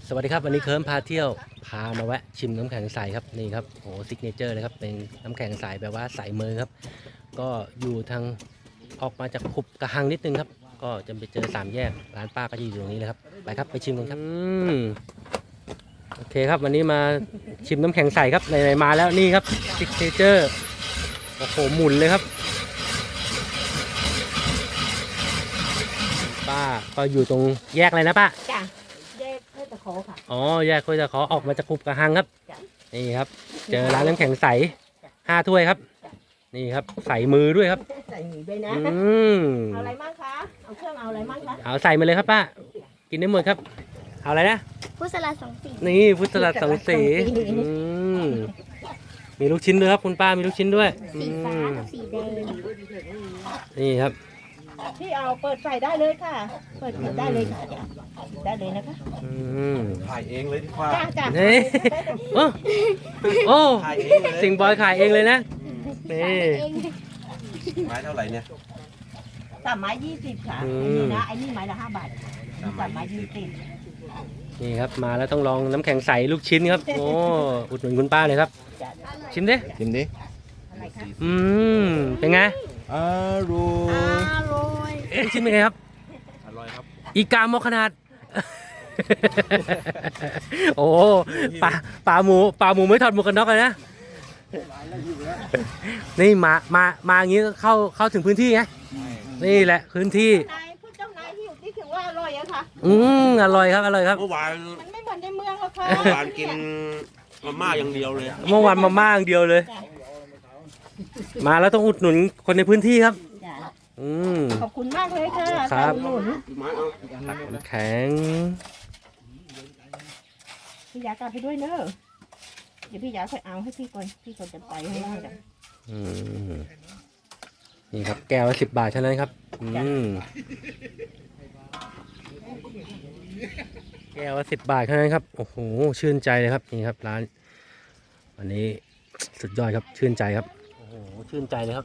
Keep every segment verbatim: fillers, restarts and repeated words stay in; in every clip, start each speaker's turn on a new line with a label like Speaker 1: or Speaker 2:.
Speaker 1: สวัสดีครับวันนี้เคิร์มพาเที่ยวพามาแวะชิมน้ำแข็งใสครับนี่ครับโอ้ซิกเนเจอร์เลยครับเป็นน้ำแข็งใสแบบว่าใสมือครับก็อยู่ทางออกมาจากขุบกระหังนิดนึงครับก็จะไปเจอสามแยกร้านป้าก็จะอยู่ตรงนี้เลยครับไปครับไปชิมกันครับอืมโอเคครับวันนี้มาชิมน้ำแข็งใสครับไหนๆมาแล้วนี่ครับซิกเนเจอร์โอ้โหหมุนเลยครับป้าก็อยู่ตรงแยกอะไรนะป้า
Speaker 2: จ้ะแยกห้วยตะขอค่ะ
Speaker 1: อ๋อแยกห้วยตะขอออกมาจากขุบกระหังครับนี่ครับเจอร้านน้ำแข็งใสห้าถ้วยครับนี่ครับใส่มือด้วยครับ
Speaker 2: ใส่หมี่ด้วยนะ
Speaker 1: อืม
Speaker 2: เอาอะไรมั่งคะเอาเครื่องเอาอะไรมั่งคะ
Speaker 1: เอาใส่มาเลยครับป้ากินได้หมดครับเอาอะไรนะ
Speaker 3: พุทธลัดสองสี
Speaker 1: นี่พุทธลัดสองสีอืมมีลูกชิ้นด้วยครับคุณป้ามีลูกชิ้นด้วย
Speaker 3: สีฟ้ากับสีแดง
Speaker 1: นี่ครับ
Speaker 2: ที่เอาเปิดใส่ได้เลยค่ะเปิดได้เลยค่ะได้เลยนะคะ
Speaker 4: ถ่ายเองเลยดีกว่า
Speaker 2: จ้าจ้า
Speaker 1: นี่โอ้โอ้สิงบอยขายเองเลยนะนี่
Speaker 4: ไม้เท่าไหร่เนี่ย
Speaker 2: สามไม้ยี่สิบค่ะไอ้นี่นะไอ้นี่ไม้ละห้าบาทสามไม้ยี่สิบ
Speaker 1: นี่ครับมาแล้วต้องลองน้ำแข็งใสลูกชิ้นครับโอ้อุดหนุนคุณป้าเลยครับชิมดิ
Speaker 4: ชิมดิ
Speaker 1: อืมเป็นไง
Speaker 4: อร่อย
Speaker 3: อร่อย
Speaker 1: เอ๊ะชิมเป็นไงครับ
Speaker 4: อร่อยครับ
Speaker 1: อีกามอขนาดโอ้ปลาปลาหมูปลาหมูไม่ถอดหมวกกันน็อกเลยนะนี่มามามาอย่างนี้ก็เข้าเข้าถึงพื้นที่ไงนี่แหละพื้นที่
Speaker 2: นายพูดเจ้านายที่อยู่ที่ถึงว่าอร่อยอะค่ะ
Speaker 1: อืมอร่อยครับอร่อยครับ
Speaker 4: เมื่อวาน
Speaker 2: มันไม่เหมือนในเมืองหรอกค่ะ
Speaker 4: เมื่อวานกินมาม่าอย่างเดียวเลย
Speaker 1: เมื่อวานมาม่าอย่างเดียวเลยมาแล้วต้องอุดหนุนคนในพื้นที่ครับอืม
Speaker 2: ขอบคุณมากเลยค่ะ
Speaker 1: ครับ
Speaker 2: หนุน
Speaker 1: แข็ง
Speaker 2: พี่ยากลับไปด้วยเนอะเดี๋ยวพี่ยาค่อยเอาให้พี่ก่อนพี่ก่อนจะไปให้ได้กัน
Speaker 1: นี่ครับแก้วละสิบบาทเท่านั้นครับอืมแก้วละสิบบาทเท่านั้นครับโอ้โหชื่นใจเลยครับนี่ครับร้านวันนี้สุดยอดครับชื่นใจครับโอ้โหชื่นใจเลยครับ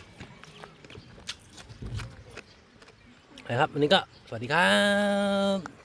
Speaker 1: นะครับวันนี้ก็สวัสดีครับ